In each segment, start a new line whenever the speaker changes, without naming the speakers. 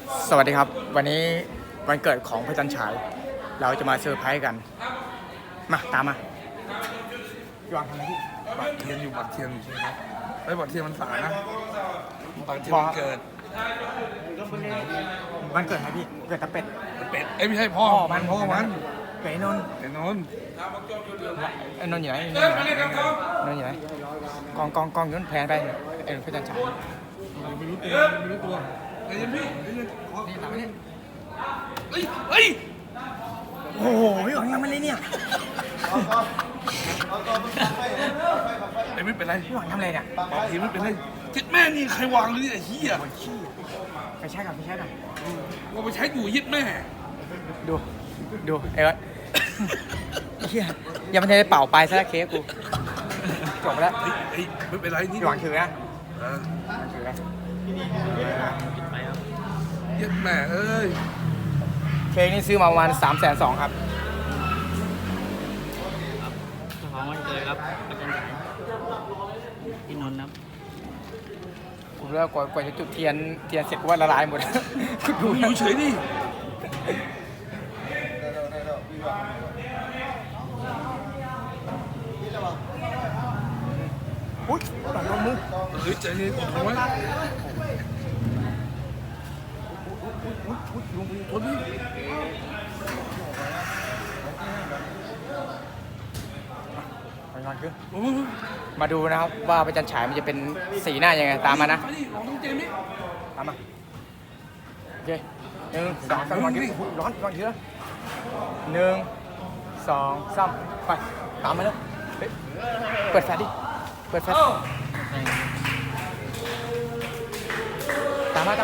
สวัสดีครับวันนี้วันเกิดของพระจันทร์ฉายเราจะมาเซอร์ไพรส์กันมาตามมาพี่วางทำอะไรพี่
บัตรเทียนอยู่บัตรเทียนอยู่ใช่ไหมไอ้บัตรเทียนมันสายนะบัตรเทียนมันเกิด
วันเกิดใครพี่เกิดตะเป็ด
เป็ดเอ้ยไม่ใช่พ่อมันพ่อมัน
เกิดไอ้นนท์
ไอ้นนท์
ไอ้นนท์อยู่ไหนไอ้นนท์อยู่ไหนกองย้อนแผนไปไอ้พระจันทร์ฉาย
ไม่รู้ตัวไม่รู้ตัวไอ้ยันพี่ไอ้ยันขอ
นี่ตามมาเนี่ย
เฮ้ยเฮ้ย
โอ้โหพี่หวังทำอะไรเนี่ย
ไอ้ไม่เป็นไร
พี่หวังทำอะไรเนี่ย
บัตรเทียนไม่เป็นไรจิตแม่นี่ใครวางเลยเนี่ยไอ้เหี้ย
ไปใช้กันไปใช้กัน
ว่าไปใช้อยู่ยึดแม่
ดูไอ้เอิร์ธเฮียยังไม่ทันได้เป่าไปซะแล้วเค้กกูจบแล้ว
เฮ้ยไม่เป็นไรนี่
พี่หวังถือนะ
เออ
ถือนะ
ยึดแม่เอ้ย
เค้กนี่ซื้อมาประมาณ320,000ครับ
เจ้าของวันเกิดครับอาจารย์ฉายพี่นนท์ครับ
ผมเลิกกว่าจะจุดเทียนเสร็จกูว่าละลายหมด
ดูอยู่เฉยดิ
อุ้ยตัดลงมือ
เฮ้ยใจเย็นอดทนไว้ทนดิ
ไปนอนขึ้น
โอ้ย
มาดูนะครับว่าพระจันทร์ฉายมันจะเป็นสีหน้ายังไงตามมานะ
ไปดิลองต้องเจมส์ดิ
ตามมาโอเค1 2 3นอนขึ้นร้อนเยอะ1 2 3ไปตามมาแล้วเฮ้ยเปิดแฟลชดิเปิดแฟลชตามมา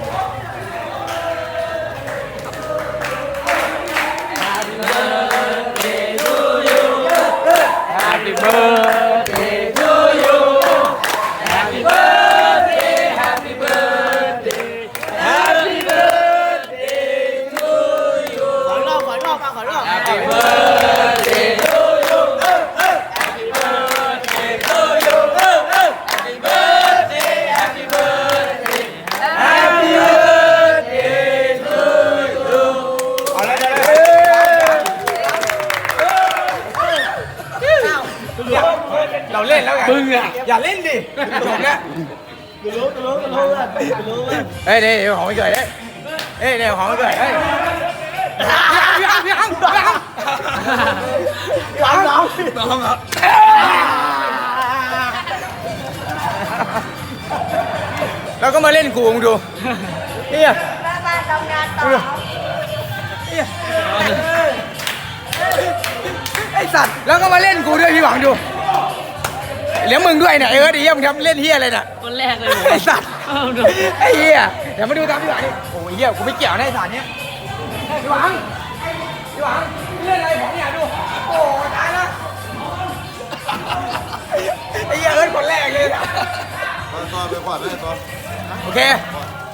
Happy birthday to you Happy birthday Happy birthday Happy birthday to you
ขอรอบ
Happy birthday to you Happy birthday to you Happy birthday Happy birthday Happy birthday to you เอาเลยเราเล่นแล้วไงมึงอ่ะอย่าเล่นดิจบแล้วเฮ้ยเดี๋ยวของไม่เกิดเฮ้ยเดี๋ยวของไม่เกิดเฮ้ยพี่อังน้องอ่ะแล้วก็มาเล่นกูมึงดูเนี่ยมาทำงานต่อเนี่ยไอสัตว์แล้วก็มาเล่นกูด้วยพี่หวังดูเลี้ยงมึงด้วยเนี่ยเอิร์ธไอ้เหี้ยมึงทำเล่นเหี้ยอะไรเนี่ย
คนแรกเลย
ไอ้สัตว์
เอาดู
ไอ้เหี้ยเดี๋ยวมาดูตามพี่หวังนี่โอ้ยเหี้ยกูไม่เกี่ยวนะไอ้สัตว์เนี้ยพี่หวังเล่นอะไรของเนี่ยดูโอ้ตายแล้วไอ้เหี้ยเอิร์ธคนแรกเลย
ต่อไปก่อนเลยต่อ
โอเค